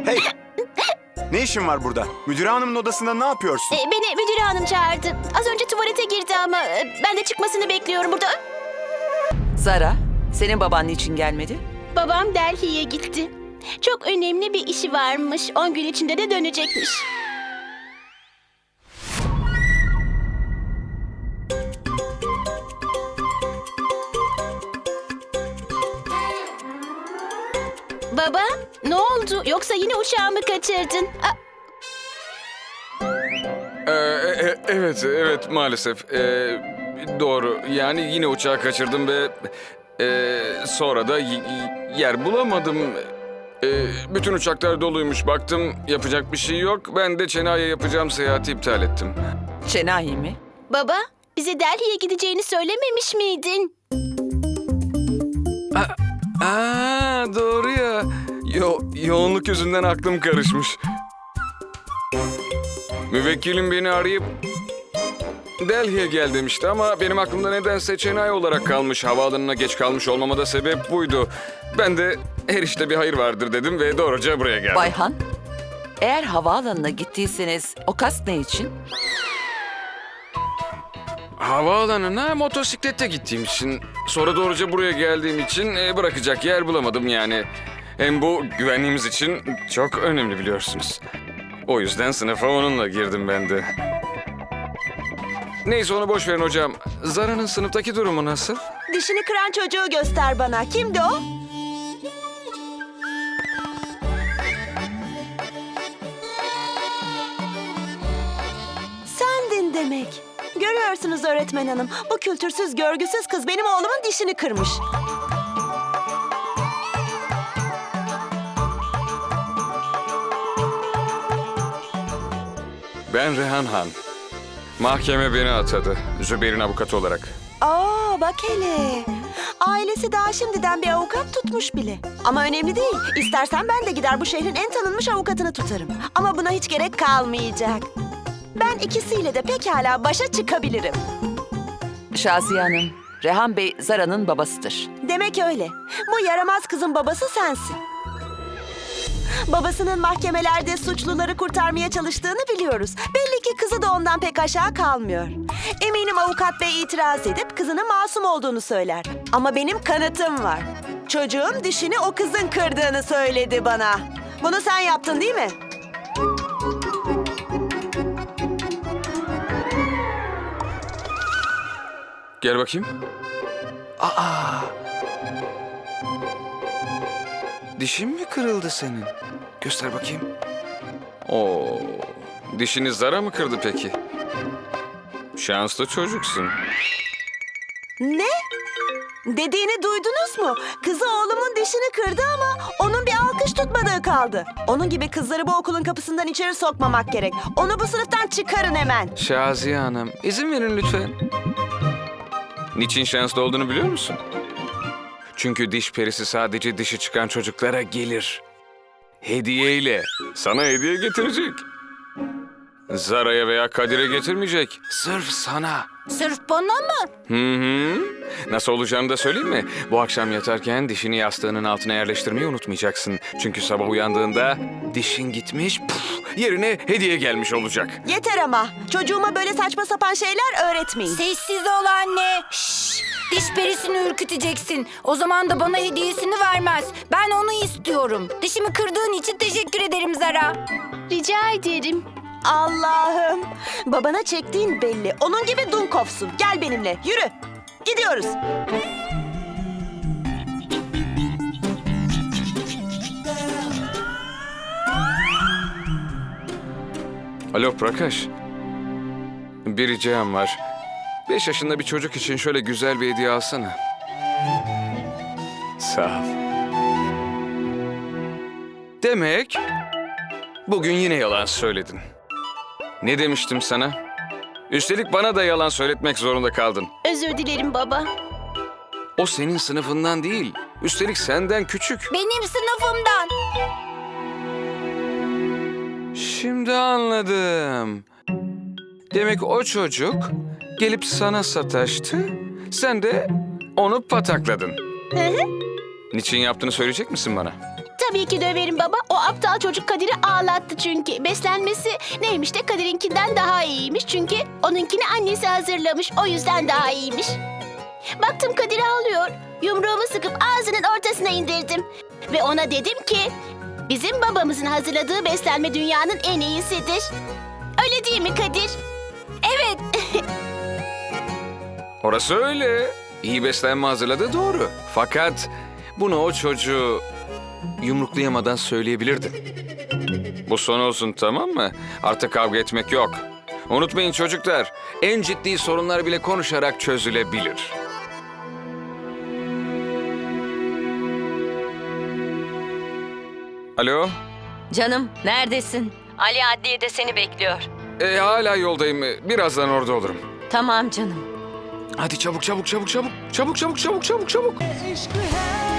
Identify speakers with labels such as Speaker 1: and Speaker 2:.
Speaker 1: Hey! Ne işin var burada? Müdür hanımın odasında ne yapıyorsun?
Speaker 2: Beni müdür hanım çağırdı. Az önce tuvalete girdi ama ben de çıkmasını bekliyorum burada.
Speaker 3: Zara, senin baban niçin gelmedi?
Speaker 2: Babam Delhi'ye gitti. Çok önemli bir işi varmış. 10 gün içinde de dönecekmiş. Baba, ne oldu? Yoksa yine uçağımı kaçırdın?
Speaker 4: Evet maalesef. Doğru. Yani yine uçağı kaçırdım ve sonra da yer bulamadım. Bütün uçaklar doluymuş. Baktım yapacak bir şey yok. Ben de Chennai'ye yapacağım seyahati iptal ettim.
Speaker 3: Chennai mi?
Speaker 2: Baba, bize Delhi'ye gideceğini söylememiş miydin?
Speaker 4: Doğru ya. Yoğunluk yüzünden aklım karışmış. Müvekkilim beni arayıp Delhi'ye gel demişti ama benim aklımda nedense Chennai olarak kalmış. Havaalanına geç kalmış olmama da sebep buydu. Ben de her işte bir hayır vardır dedim ve doğruca buraya geldim.
Speaker 3: Bayhan, eğer havaalanına gittiyseniz o kask ne için?
Speaker 4: Havaalanına motosiklette gittiğim için, sonra doğruca buraya geldiğim için bırakacak yer bulamadım yani. Hem bu güvenliğimiz için çok önemli biliyorsunuz. O yüzden sınıfa onunla girdim ben de. Neyse onu boş verin hocam. Zara'nın sınıftaki durumu nasıl?
Speaker 5: Dişini kıran çocuğu göster bana. Kimdi o? Sendin demek. Görüyorsunuz öğretmen hanım. Bu kültürsüz, görgüsüz kız benim oğlumun dişini kırmış.
Speaker 4: Ben Rehan Han. Mahkeme beni atadı. Zübeyir'in avukatı olarak.
Speaker 5: Aa bak hele. Ailesi daha şimdiden bir avukat tutmuş bile. Ama önemli değil. İstersen ben de gider bu şehrin en tanınmış avukatını tutarım. Ama buna hiç gerek kalmayacak. Ben ikisiyle de pekala başa çıkabilirim.
Speaker 3: Şaziye Hanım, Rehan Bey Zara'nın babasıdır.
Speaker 5: Demek öyle. Bu yaramaz kızın babası sensin. Babasının mahkemelerde suçluları kurtarmaya çalıştığını biliyoruz. Belli ki kızı da ondan pek aşağı kalmıyor. Eminim avukat bey itiraz edip kızının masum olduğunu söyler. Ama benim kanıtım var. Çocuğun dişini o kızın kırdığını söyledi bana. Bunu sen yaptın değil mi?
Speaker 4: Gel bakayım. Dişin mi kırıldı senin? Göster bakayım. Oo, dişini Zara mı kırdı peki? Şanslı çocuksun.
Speaker 5: Ne? Dediğini duydunuz mu? Kızı oğlumun dişini kırdı ama onun bir alkış tutmadığı kaldı. Onun gibi kızları bu okulun kapısından içeri sokmamak gerek. Onu bu sınıftan çıkarın hemen.
Speaker 4: Şaziye Hanım, izin verin lütfen. Niçin şanslı olduğunu biliyor musun? Çünkü diş perisi sadece dişi çıkan çocuklara gelir. Hediyeyle. Sana hediye getirecek. Zara'ya veya Kadir'e getirmeyecek. Sırf sana.
Speaker 2: Sırf bana mı?
Speaker 4: Hı. Nasıl olacağını da söyleyeyim mi? Bu akşam yatarken dişini yastığının altına yerleştirmeyi unutmayacaksın. Çünkü sabah uyandığında dişin gitmiş, yerine hediye gelmiş olacak.
Speaker 5: Yeter ama. Çocuğuma böyle saçma sapan şeyler öğretmeyin.
Speaker 6: Sessiz ol anne. Şşş, diş perisini ürküteceksin. O zaman da bana hediyesini vermez. Ben onu istiyorum. Dişimi kırdığın için teşekkür ederim Zara.
Speaker 2: Rica ederim.
Speaker 5: Allah'ım. Babana çektiğin belli. Onun gibi Dunkov'sun. Gel benimle. Yürü. Gidiyoruz.
Speaker 4: Alo Prakash. Bir ricam var. 5 yaşında bir çocuk için şöyle güzel bir hediye alsana. Sağ ol. Demek bugün yine yalan söyledin. Ne demiştim sana? Üstelik bana da yalan söyletmek zorunda kaldın.
Speaker 2: Özür dilerim baba.
Speaker 4: O senin sınıfından değil. Üstelik senden küçük.
Speaker 6: Benim sınıfımdan.
Speaker 4: Şimdi anladım. Demek o çocuk gelip sana sataştı. Sen de onu patakladın. Niçin yaptığını söyleyecek misin bana?
Speaker 2: Tabii ki döverim baba. O aptal çocuk Kadir'i ağlattı çünkü. Beslenmesi neymiş de Kadir'inkinden daha iyiymiş. Çünkü onunkini annesi hazırlamış. O yüzden daha iyiymiş. Baktım Kadir ağlıyor. Yumruğumu sıkıp ağzının ortasına indirdim. Ve ona dedim ki... Bizim babamızın hazırladığı beslenme dünyanın en iyisidir. Öyle değil mi Kadir?
Speaker 6: Evet.
Speaker 4: Orası öyle. İyi beslenme hazırladığı doğru. Fakat bunu o çocuğu yumruklayamadan söyleyebilirdin. Bu son olsun, tamam mı? Artık kavga etmek yok. Unutmayın çocuklar, en ciddi sorunlar bile konuşarak çözülebilir. Alo?
Speaker 7: Canım, neredesin? Ali adliyede seni bekliyor.
Speaker 4: Hala yoldayım. Birazdan orada olurum.
Speaker 7: Tamam canım.
Speaker 4: Hadi çabuk çabuk çabuk çabuk. Çabuk çabuk çabuk çabuk çabuk.
Speaker 8: इश्क है